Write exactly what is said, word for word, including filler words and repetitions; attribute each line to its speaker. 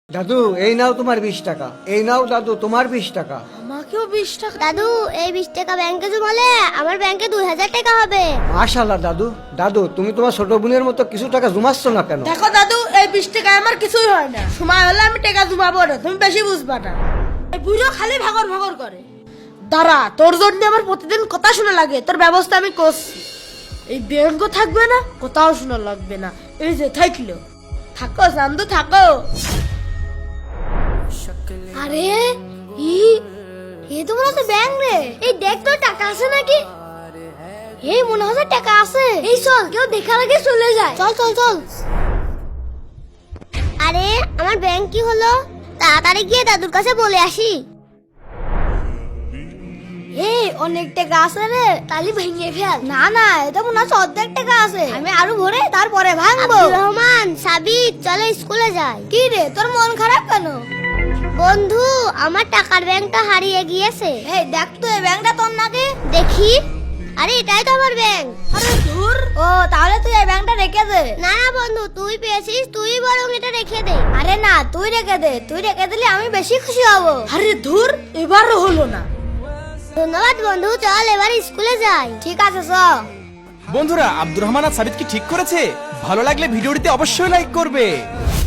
Speaker 1: দাদু এই নাও তোমার বিশ টাকা। এই নাও দাদু তোমার বিশ টাকা।
Speaker 2: আমাকেও বিশ টাকা।
Speaker 3: দাদু এই বিশ টাকা ব্যাংকে জমালে আমার ব্যাংকে দুই হাজার টাকা হবে।
Speaker 1: মাশাআল্লাহ দাদু। দাদু তুমি তোমার ছোট বোনের মতো কিছু টাকা জমাচ্ছ না কেন?
Speaker 2: দেখো দাদু, এই বিশ টাকায় আমার কিছুই হয় না। সময় হলে আমি টাকা জমাবো না, তুমি বেশি বুঝবা না। এই বুড়ো খালি ভাগর ভাগর করে। দাঁড়া, তোর জন্য আমার প্রতিদিন কথা শোনা লাগে, তোর ব্যবস্থা আমি করছি। এই ব্যাংকও থাকবে না, কোথাও শোনা লাগবে না। এই যে থাকলো, থাকো চান্দু থাকো।
Speaker 3: আরে ই এ তো মনে হচ্ছে ব্যাংক রে। এই দেখ তো টাকা আছে নাকি? এই মনে হচ্ছে টাকা আছে। এই চল, কেউ দেখার আগে চলে যায়। চল চল চল। আরে আমার ব্যাংক কি হলো? তাড়াতাড়ি গিয়ে দাদুর কাছে বলে আসি। এই অনেক টাকা আছে রে, তালি ভেঙে ফেল। না না, এটা মনে হচ্ছে অর্ধেক টাকা আছে। আমি আরো ভরে তারপরে ভাঙবো। আব্দুর রহমান, সাবিত, চলো স্কুলে যাই। কি রে, তোর মন খারাপ কেন? বন্ধু, আমার টাকার ব্যাংকটা হারিয়ে গিয়েছে। এই দেখ তো, এই ব্যাংকটা তোর নাকি? দেখি। আরে এটাই তো আমার ব্যাংক।
Speaker 2: আরে ধুর।
Speaker 3: ও তাহলে তুই এই ব্যাংকটা রেখে দে। না না বন্ধু, তুই পেয়েছিস, তুই বরং এটা রেখে দে। আরে না, তুই রেখে দে। তুই রেখে দিলে আমি বেশি খুশি হব।
Speaker 2: আরে ধুর, এবারও হলো না।
Speaker 3: ধন্যবাদ বন্ধু, চল এবার স্কুলে যাই। ঠিক আছে চল।
Speaker 4: বন্ধুরা, আব্দুর রহমান আর সাবিত কি ঠিক করেছে? ভালো লাগলে ভিডিওটিতে অবশ্যই লাইক করবে।